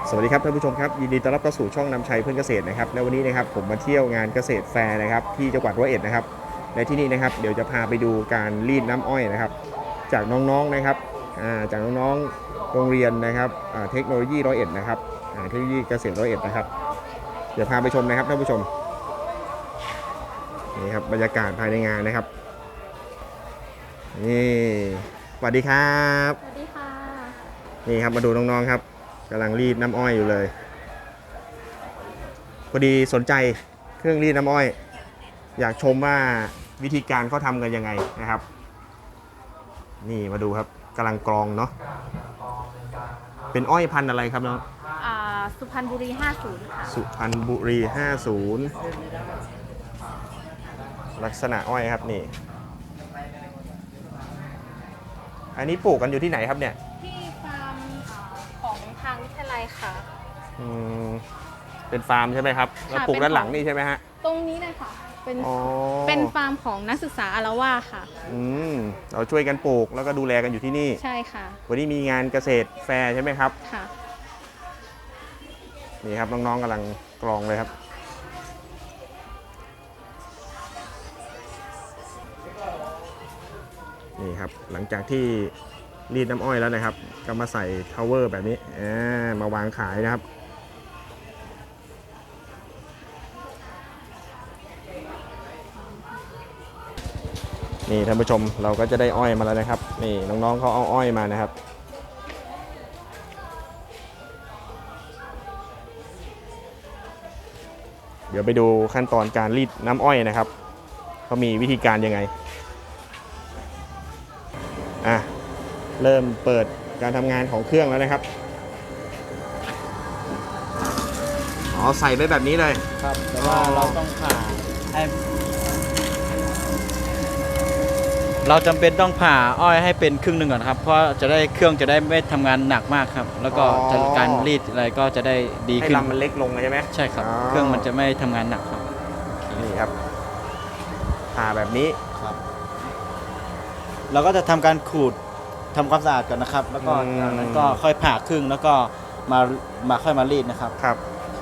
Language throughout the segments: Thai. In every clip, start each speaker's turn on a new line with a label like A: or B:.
A: สวัสดีครับท่านผู้ชมครับยินดีต้อนรับเข้าสู่ช่องนำชัยเพื่อนเกษตรนะครับและวันนี้นะครับผมมาเที่ยวงานเกษตรแฟร์นะครับที่จังหวัดร้อยเอ็ดนะครับในที่นี้นะครับเดี๋ยวจะพาไปดูการรีดน้ำอ้อยนะครับจากน้องๆนะครับจากน้องๆโรงเรียนนะครับเทคโนโลยีร้อยเอ็ดนะครับเทคโนโลยีเกษตรร้อยเอ็ดนะครับเดี๋ยวพาไปชมนะครับท่านผู้ชมนี่ครับบรรยากาศภายในงานนะครับนี่สวัสดีครับ
B: สวัสดีค่ะ
A: นี่ครับมาดูน้องๆครับกำลังรีดน้ำอ้อยอยู่เลยพอดีสนใจเครื่องรีดน้ำอ้อยอยากชมว่าวิธีการเขาทำกันยังไงนะครับนี่มาดูครับกำลังกรองเนาะเป็นอ้อยพันธุ์อะไรครับน้อง
B: สุพรรณบุรี 50 ค่ะ
A: สุพรรณบุรี 50 ลักษณะอ้อยครับนี่อันนี้ปลูกกันอยู่ที่ไหนครับเนี่ย
B: ที่ฟาร์มของทางวิทยาลัยค่ะ
A: เป็นฟาร์มใช่ไหมครับแล้วปลูกด้านหลังนี่ใช่ไหมฮะ
B: ตรงนี้เลยค่ะเป็นฟาร์มของนักศึกษาอาราว่าค่ะ
A: เราช่วยกันปลูกแล้วก็ดูแลกันอยู่ที่นี่
B: ใช่ค่ะ
A: วันนี้มีงานเกษตรแฟร์ใช่ไหมครับ
B: ค่ะ
A: นี่ครับน้องๆกำลังกรองเลยครับนี่ครับหลังจากที่รีดน้ำอ้อยแล้วนะครับก็มาใส่ทาวเวอร์แบบนี้มาวางขายนะครับนี่ท่านผู้ชมเราก็จะได้อ้อยมาแล้วนะครับนี่น้องๆเขาเอาอ้อยมานะครับเดี๋ยวไปดูขั้นตอนการรีดน้ำอ้อยนะครับเขามีวิธีการยังไงเริ่มเปิดการทำงานของเครื่องแล้วนะครับใส่ไปแบบนี้เลย
C: ครับแต่ว่าเราต้องผ่าให้เราจำเป็นต้องผ่าอ้อยให้เป็นครึ่งหนึ่งก่อนครับเพราะจะได้เครื่องจะได้ไม่ทำงานหนักมากครับแล้วก็การรีดอะไรก็จะได้ดีขึ้น
A: ให้ลำมันเล็กลงใช่ไหม
C: ใช่ครับเครื่องมันจะไม่ทำงานหนักครับ
A: นี่ครับผ่าแบบนี้
C: ครับเราก็จะทำการขูดทำความสะอาดก่อนนะครับแล้วก็จากนั้นก็ค่อยผ่าครึ่งแล้วก็ค่อยมารีดนะครับ
A: ครับ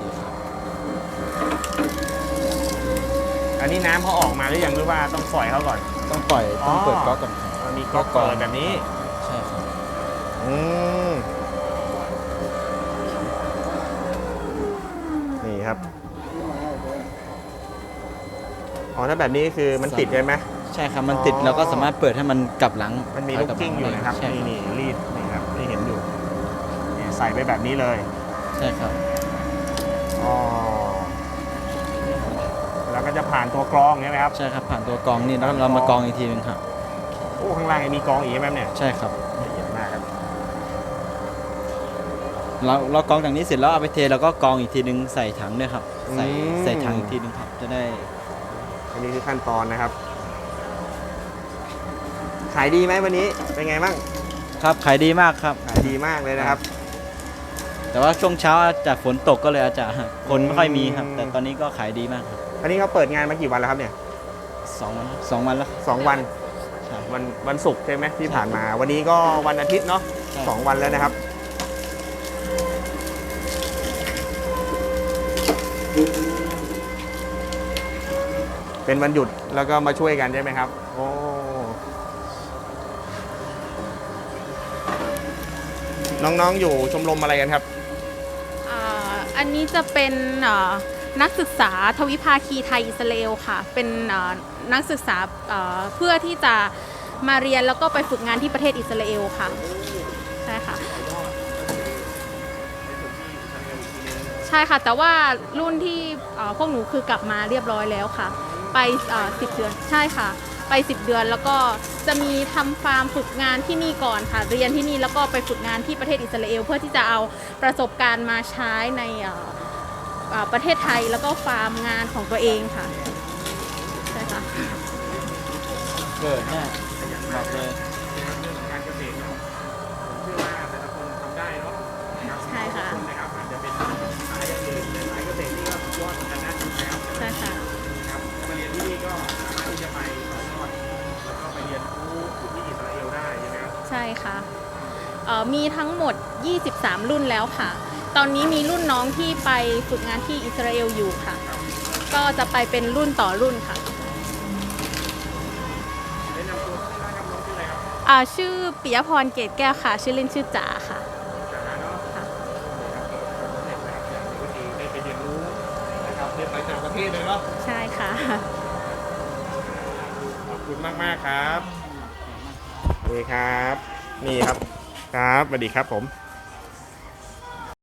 A: อันนี้น้ำเขาออกมาหรือยังหรือว่าต้องปล่อยเขาก่อน
C: ต้องปล่อยต้องเปิดก๊อกก่อน
A: มีก๊อกเปิดแบบนี้
C: ใช่ครับ
A: นี่ครับถ้าแบบนี้คือมันติดใช่ไหม
C: ใช่ครับมันติดเราก็สามารถเปิดให้มันกลับหลัง
A: มันมีลูกกิ้งอยู่นะครับนี่รีดนี่ครับที่เห็นอยู่นี่ใส่ไปแบบนี้เลย
C: ใช่ครับ
A: แล้วก็จะผ่านตัวกรองใช่ไหมครับ
C: ใช่ครับผ่านตัวกรองนี่แล้วเรามากรองอีกทีนึงครับ
A: ข้างล่างมีกรองอีกไหมเนี่ย
C: ใช่ครับ
A: ละเอียดมากครับ
C: เรากรองจากนี้เสร็จแล้วเอาไปเทแล้วก็กรองอีกทีนึงใส่ถังด้วยครับใส่ถังอีกทีนึงครับจะได้
A: อันนี้คือขั้นตอนนะครับขายดีไหมวันนี้เป็นไงบ้าง
C: ครับขายดีมากครับ
A: ขายดีมากเลยนะครับ
C: แต่ว่าช่วงเช้าจากฝนตกก็เลยอาจจะคนไม่ค่อยมีครับแต่ตอนนี้ก็ขายดีมากครับ
A: อันนี้เขาเปิดงานมากี่วันแล้วครับเนี่ย
C: 2 วันแล้ว
A: 2 วันศุกร์ใช่ไหมที่ผ่านมาวันนี้ก็วันอาทิตย์เนาะ2 วันแล้วนะครับเป็นวันหยุดแล้วก็มาช่วยกันใช่ไหมครับน้องๆอยู่ชมรมอะไรกันครับ
B: อันนี้จะเป็นนักศึกษาทวิภาคีไทยอิสราเอลค่ะเป็นนักศึกษาเพื่อที่จะมาเรียนแล้วก็ไปฝึกงานที่ประเทศอิสราเอลค่ะใช่ค่ะใช่ค่ะแต่ว่ารุ่นที่พวกหนูคือกลับมาเรียบร้อยแล้วค่ะไป10 เดือนใช่ค่ะไป10 เดือนแล้วก็จะมีทำฟาร์มฝึกงานที่นี่ก่อนค่ะเรียนที่นี่แล้วก็ไปฝึกงานที่ประเทศอิสราเอลเพื่อที่จะเอาประสบการณ์มาใช้ในประเทศไทยแล้วก็ฟาร์มงานของตัวเองค่ะใช่ค่ะ
C: เกิดแน่บอกเลย
A: การเกษตรเนาะผมเชื่อว่าแต่ละคนทำได้เนาะ
B: ใช่ค่ะ
A: นะครับอาจจะเป็นสายอย่างอื่นแต่สายเกษตรนี่ก็ยอดเหมือนกันนะ
B: ใช่ค่ะ
A: ครับมาเรียนที่นี่ก็สามารถที่จะไปต่อยอดแล้วก็ไปเรียนรู้อยู่ที่อิสราเอลได้ใช่ไหมครับ
B: ใช่ค่ะมีทั้งหมด23 รุ่นแล้วค่ะตอนนี้มีรุ่นน้องที่ไปฝึกงานที่อิสราเอลอยู่ค่ะ ก็จะไปเป็นรุ่นต่อรุ่นค่ะ
A: แนะนำตัวชื่อร้านครับน้องชื่ออะไรครับ
B: ชื่อปิยพรเกตแก้วค่ะ ชื่อเล่นชื่อจ๋าค่ะ
A: จ๋าเนาะ
B: ค่ะ
A: ได้ไปเรียนรู้นะครับเรียนไปต่างประเทศเลยเนาะ
B: ใช่ค่ะ
A: ขอบคุณมากๆครับสวัสดีครับ นี่ครับครับสวัสดีครับผม